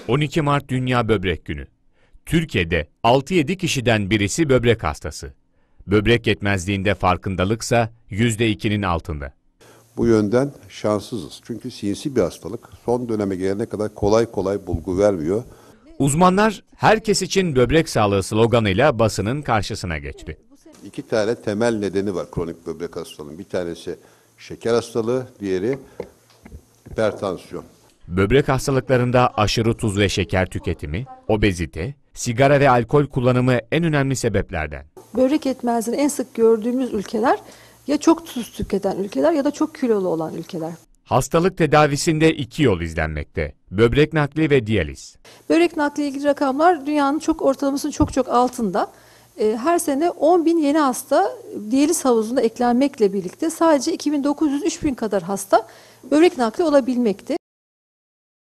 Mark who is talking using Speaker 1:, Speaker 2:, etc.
Speaker 1: 12 Mart Dünya Böbrek Günü. Türkiye'de 6-7 kişiden birisi böbrek hastası. Böbrek yetmezliğinde farkındalıksa %2'nin altında.
Speaker 2: Bu yönden şanssızız. Çünkü sinsi bir hastalık. Son döneme gelene kadar kolay kolay bulgu vermiyor.
Speaker 1: Uzmanlar herkes için böbrek sağlığı sloganıyla basının karşısına geçti.
Speaker 2: 2 tane temel nedeni var kronik böbrek hastalığının. Bir tanesi şeker hastalığı, diğeri hipertansiyon.
Speaker 1: Böbrek hastalıklarında aşırı tuz ve şeker tüketimi, obezite, sigara ve alkol kullanımı en önemli sebeplerden.
Speaker 3: Böbrek yetmezliğini en sık gördüğümüz ülkeler ya çok tuz tüketen ülkeler ya da çok kilolu olan ülkeler.
Speaker 1: Hastalık tedavisinde 2 yol izlenmekte: böbrek nakli ve diyaliz.
Speaker 3: Böbrek nakli ile ilgili rakamlar dünyanın ortalamasının çok altında. Her sene 10.000 yeni hasta diyaliz havuzuna eklenmekle birlikte sadece 2.900-3.000 kadar hasta böbrek nakli olabilmekte.